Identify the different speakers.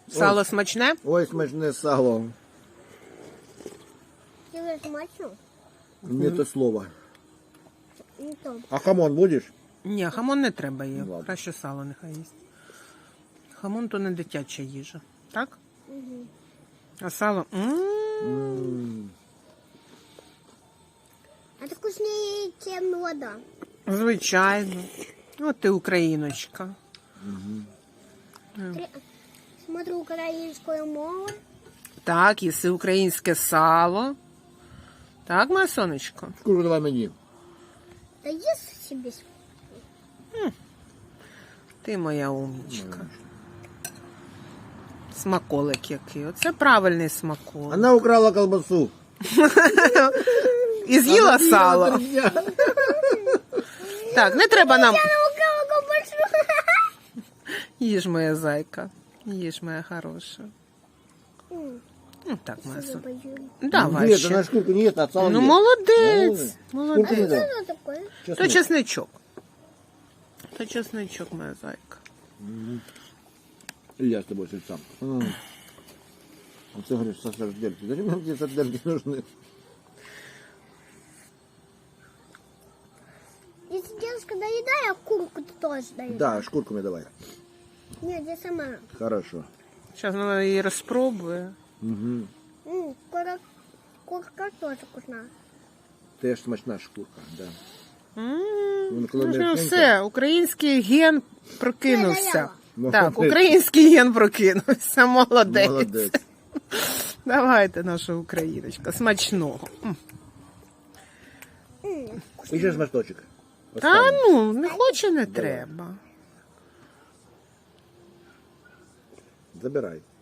Speaker 1: Сало смачне?
Speaker 2: Ой, смачне сало.
Speaker 3: Тебе смачно?
Speaker 2: Не то слово.
Speaker 3: Не то.
Speaker 2: А хамон будеш?
Speaker 1: Ні, хамон не треба їй.
Speaker 2: Ладно.
Speaker 1: Краще сало нехай їсть. Хамон то не дитяча їжа. Так?
Speaker 3: Угу.
Speaker 1: А сало.
Speaker 3: А это вкуснее, чем вода.
Speaker 1: Звичайно. От ти україночка.
Speaker 3: Смотрю украинскую мову.
Speaker 1: Так, їси українське сало. Так, моє сонечко?
Speaker 2: Шкуру давай мені.
Speaker 3: Да ешь себе.
Speaker 1: Ти моя умничка. Смаколик який. Оце правильний смаколик.
Speaker 2: Вона украла колбасу.
Speaker 1: І з'їла
Speaker 2: Вона
Speaker 1: сало.
Speaker 2: їла 3 дня.
Speaker 1: Так, не треба нам.
Speaker 3: Я украла большую.
Speaker 1: Їж, моя зайка. Їж, моя хороша. Ну так, моя сонечко. Давай
Speaker 2: Нет,
Speaker 1: ще.
Speaker 2: она шкурку не ест, а сало
Speaker 1: Ну,
Speaker 2: ест.
Speaker 1: молодець.
Speaker 2: Шкурку
Speaker 1: Молодець.
Speaker 2: не дам.
Speaker 3: Что такое?
Speaker 1: То
Speaker 2: Чеснок.
Speaker 1: чесничок. То чесничок, моя зайка.
Speaker 2: И я с тобой сам. А ты говоришь, со сардельки. Зачем нам эти сардельки нужны?
Speaker 3: Если девушка доедает, а курку ты тоже даешь.
Speaker 2: Да, шкурку мне давай.
Speaker 3: Нет, я сама.
Speaker 2: Хорошо.
Speaker 1: Зараз вона її розпробує.
Speaker 3: Курка тоже вкусна.
Speaker 2: Теж смачна шкурка, да.
Speaker 1: Ну,
Speaker 2: коли
Speaker 1: вже
Speaker 2: м'якенька.
Speaker 1: все, український ген прокинувся.
Speaker 2: Ну,
Speaker 1: Так,
Speaker 2: молодець.
Speaker 1: український ген прокинувся. Молодець.
Speaker 2: Молодець.
Speaker 1: Давайте, наша україночка, смачного.
Speaker 2: І ще шматочок.
Speaker 1: Та ну, не хоче, не треба.
Speaker 2: Забирай.